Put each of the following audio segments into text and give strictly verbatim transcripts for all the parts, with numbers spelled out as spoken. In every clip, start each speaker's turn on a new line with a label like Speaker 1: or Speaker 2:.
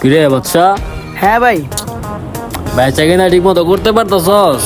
Speaker 1: কিরে বাচ্চা?
Speaker 2: হ্যাঁ ভাই।
Speaker 1: বেচা কিনা ঠিক মতো করতে পারতাছস?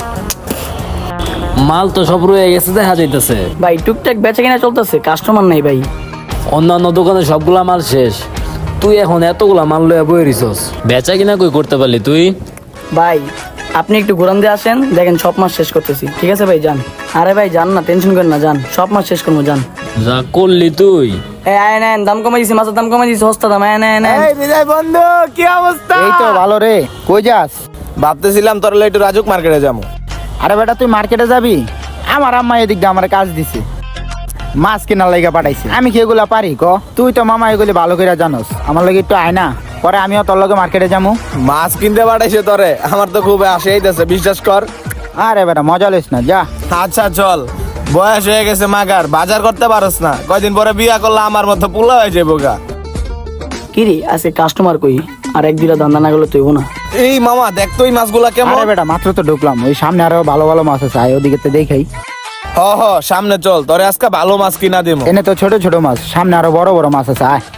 Speaker 1: মাল তো সব রয়ে গেছে, দেখা যাইতেছে।
Speaker 2: ভাই টুকটাক বেচা কিনা চলতেছে, কাস্টমার নাই ভাই।
Speaker 1: অন্যান্য দোকানে সবগুলা মাল শেষ, তুই এখন এতগুলা মাল লয়ে বই রিছস, বেচা কিনা কই করতে পারলি তুই?
Speaker 2: ভাই আপনি একটু ঘুরান দিয়ে আসেন, দেখেন সব মাস শেষ করতেছি। ঠিক আছে ভাই, যান। আরে ভাই যান না, টেনশন করেন না, যান, সব মাস শেষ করবো, যান।
Speaker 1: যা করলি তুই।
Speaker 2: এই আয় নেন, দাম কমাই দিছি, মাছের দাম কমাই দিছি, সস্তা দাম, আয় নেন।
Speaker 3: এই বিজয় বন্ধু, কি অবস্থা?
Speaker 4: এই তো ভালো রে। কই যাস?
Speaker 3: ভাবতেছিলাম তোর একটু রাজুক মার্কেটে যাবো।
Speaker 4: আরে বেটা তুই মার্কেটে যাবি? আমার আম্মা এদিক দিয়ে আমার কাজ দিছে, মাছ কেনার লাইগা পাঠাইছে। আমি কি এগুলা পারি ক? তুই তো মামা এগুলি ভালো করে জানোস, আমার লাগে একটু আয় না, পরে আমিও তোর লগে মার্কেটে যাবো।
Speaker 3: মাছ কিনতে পাঠাইছে তোরে, আমার তো খুব আসে আইতাছে, বিশ্বাস কর।
Speaker 4: আরে বেটা মজা লইস না, যা।
Speaker 3: আচ্ছা চল, বয়স হয়ে গেছে মাগার, বাজার করতে পারস না, কয়দিন পরে বিয়া করলে আমার মতো পোলা হয়ে যাবো গা।
Speaker 2: কিরে আজকে কাস্টমার কই? আর এক দুটা ধান্দা না গেলে তুইব না।
Speaker 3: এই মামা দেখ তো এই মাছগুলা কেমন।
Speaker 4: আরে বেটা মাত্র তো ঢুকলাম, ওই সামনে আরো ভালো ভালো মাছ আছে, আয় ওদিকে তো দেখাই।
Speaker 3: হ হ সামনে চল, তোরে আজকে ভালো মাছ কিনা দেবো।
Speaker 4: এনে তো ছোট ছোট মাছ, সামনে আরো বড় বড় মাছ আছে, আয়।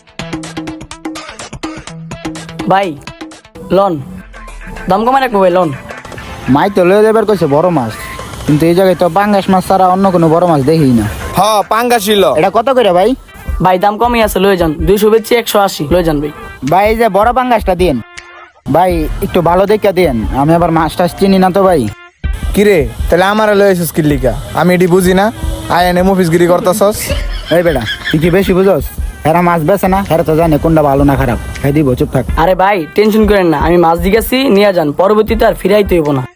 Speaker 2: ভাই লন, দাম কমাই রাখবো ভাই, লন।
Speaker 4: মাই তো লয়ে যাবার কইছে বড় মাছ, কিন্তু এই জায়গায় তো পাঙ্গাস মাছ ছাড়া অন্য কোনো বড় মাছ দেখি না।
Speaker 3: হ পাঙ্গা ছিল।
Speaker 4: এটা কত করে ভাই?
Speaker 2: ভাই দাম কমই আছে, লয়ে যান। দুইশো বেচছি, একশো আশি, লয়ে যান ভাই।
Speaker 4: ভাই এই যে বড় পাঙ্গাসটা দিন ভাই, একটু ভালো দেখে দিন, আমি আবার মাছ টাছ চিনি না তো ভাই।
Speaker 3: কিরে তাহলে আমার লয়েছিস কি লিগা? আমি এটি বুঝি না, আয় এনে মুফিসগিরি করতেছস।
Speaker 4: এই বেটা তুই কি বেশি বুঝোস? হেরা মাছ বেছে না, হেরা তো জানে কোনটা ভালো না খারাপ, খাই দিব, চুপ থাক।
Speaker 2: আরে ভাই টেনশন করেন না, আমি মাছ দিকেছি, নিয়ে যান, পরবর্তীতে আর ফিরাইতে হইব না।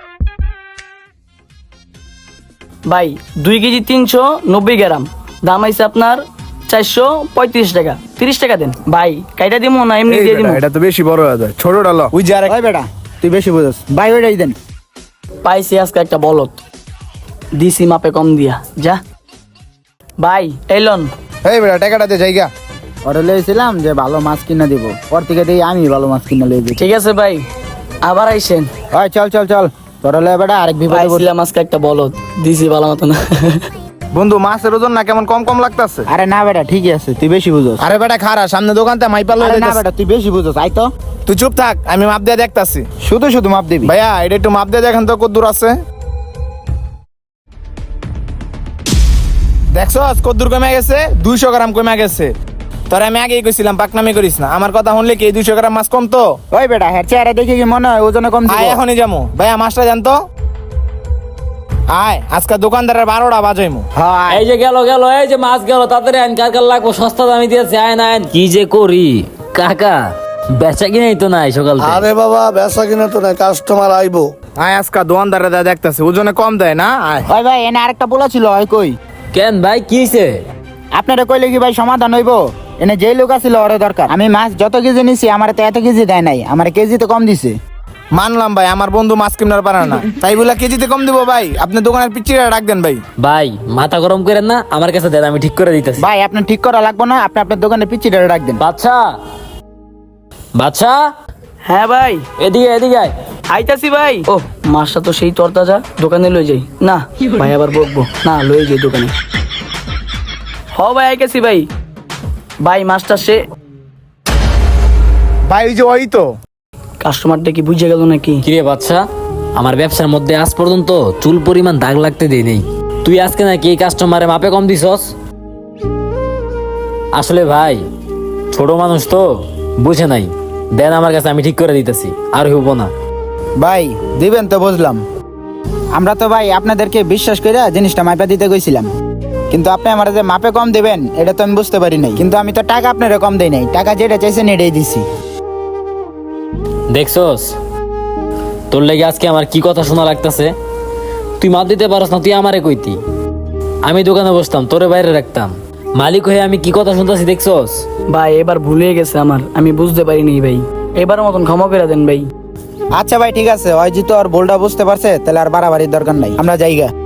Speaker 2: ভাই দুই কেজি তিনশো নব্বই গ্রাম, দাম আইছে আপনার চারশো পঁয়ত্রিশ টাকা। তিরিশ টাকা দেন ভাই, কাইটা দিব না এমনি দিয়ে দিব।
Speaker 3: এটা তো বেশি বড় হয়ে যায়, ছোটটা ল। ওই যে আরেক-
Speaker 4: ওই বেটা তুই বেশি বুঝোস, ভাই ওইটাই দেন।
Speaker 2: পাইছি আজকে একটা বলত, দিছি মাপে কম দিয়া, যা। ভাই এলন।
Speaker 3: এই বেটা টাকাটা দে জায়গা।
Speaker 4: ওরা লইছিলাম যে ভালো মাছ কিনা দিব, ওর থেকে দিয়ে আমি ভালো মাছ কিনা লই দিই।
Speaker 2: ঠিক আছে ভাই, আবার আইসেন।
Speaker 4: ওই চল চল চল, তোরা লয়ে বেটা আরেক বিপদে পড়ছিস।
Speaker 2: পাইছিলাম আজকে একটা বলত, দিছি ভালো মতো না।
Speaker 3: বন্ধু মাছের ওজন না কেমন কম কম লাগতাছে।
Speaker 4: আরে না বেটা ঠিকই আছে, তুই বেশি বুঝোস।
Speaker 3: আরে বেটা খারা, সামনে দোকানতে মাইপা লয়ে
Speaker 4: আরে না
Speaker 3: যাইতাছে।
Speaker 4: বেটা তুই বেশি বুঝোস, আই তো।
Speaker 3: তুই চুপ থাক, আমি মাপ দিয়ে দেখতাছি।
Speaker 4: শুধু শুধু মাপ দিবি।
Speaker 3: ভাইয়া এটা একটু মাপ দিয়ে দেখেন তো কত দূর আছে। দেখছস কত দূর কমে গেছে? দুইশো গ্রাম কমে গেছে। তোর আমি আগেই কইছিলাম পাকনামি করিস না, আমার কথা শুনলে কি এই দুইশো গ্রাম মাছ কম তো?
Speaker 4: ওই বেটা হ্যাঁ চেহারা দেখে কি মনে হয় ওজনে কম
Speaker 3: আয়
Speaker 4: দিব?
Speaker 3: এখনই যাবো। ভাইয়া মাছটা জান তো। আয় আজকে দোকানদারের বারোটা বাজাইমু।
Speaker 4: হ্যাঁ
Speaker 1: এই যে গেল গেল, এই যে মাছ গেল, তাড়াতাড়ি আইন, কার কার লাগবো, সস্তা দামি দিয়েছে, আইন আইন। কি যে করি কাকা, বেচা কিনাই তো নাই সকাল থেকে।
Speaker 5: আরে বাবা বেচা কিনা তো নাই, কাস্টমার আইবো।
Speaker 3: আয় আজকে দোকানদারে দা দেখতাছি, ওজনে কম দেয় না। আয়
Speaker 4: ওই ভাই এনে আরেকটা পোলা ছিল, ওই কই?
Speaker 1: কেন ভাই কি হইছে?
Speaker 4: আপনারা কইলে কি ভাই সমাধান হইব? এনে যে লোক আছিল ওরে দরকার। আমি মাছ যত কেজি নিছি আমার তো এত কেজি দেয় নাই, আমার কেজি তো কম দিছে।
Speaker 3: মানলাম ভাই, আমার বন্ধু মাছ কিনার পারে না, তাই বলে কেজিতে কম দিব ভাই? আপনি দোকানের পিচ্চিটা ডাক দেন ভাই।
Speaker 1: ভাই মাথা গরম করেন না, আমার কাছে দেন, আমি ঠিক করে দিতেছি।
Speaker 4: ভাই আপনার ঠিক করা লাগবে না, আপনি আপনার দোকানে পিচ্চিটা ডাক দেন।
Speaker 1: বাচ্চা, বাচ্চা,
Speaker 2: হ্যাঁ ভাই
Speaker 1: এদিকে এদিকে আয়।
Speaker 2: আইতাছি ভাই। ও মাছটা তো সেই তরতাজা, দোকানে লই যাই না ভাই, আবার বকবো না, লই যাই দোকানে। হ ভাই আইতাছি ভাই। ভাই মাছটা সে
Speaker 3: ভাই ওই যে ওই তো
Speaker 2: কাস্টমারটা কি বুঝে গেল নাকি?
Speaker 1: কিরে বাচ্চা, আমার ব্যবসার মধ্যে আজ পর্যন্ত চুল পরিমাণ দাগ লাগতে দেই নেই, তুই আজকে নাকি এই কাস্টমারে মাপে কম দিছস? আসলে ভাই ছোট মানুষ তো বুঝে নাই, দেন আমার কাছে, আমি ঠিক করে দিতেছি, আর হইব না।
Speaker 4: ভাই দিবেন তো বুঝলাম, আমরা তো ভাই আপনাদেরকে বিশ্বাস করে জিনিসটা মাপা দিতে গেছিলাম, কিন্তু আপনি আমার যে মাপে কম দিবেন এটা তো আমি বুঝতে পারি নাই। কিন্তু আমি তো টাকা আপনারা কম দেই নাই, টাকা যেটা চাইছেন এটাই দিছি।
Speaker 1: দেখছস তোর লেগে আজকে আমার কি কথা শোনা লাগতেছে? তুই মাপ দিতে পারস না, তুই আমারে কইতি, আমি দোকানে বসতাম, তোরে বাইরে রাখতাম, মালিক হয়ে আমি কি কথা শুনতেছি দেখছস?
Speaker 2: ভাই এবার ভুলে গেছে আমার, আমি বুঝতে পারিনি ভাই, এবার মতন ক্ষমা করে দেন ভাই।
Speaker 4: আচ্ছা ভাই ঠিক আছে, ওই যেহেতু আর ভুলটা বুঝতে পারছে তাহলে আর বাড়াবাড়ির দরকার নাই, আমরা যাইগা।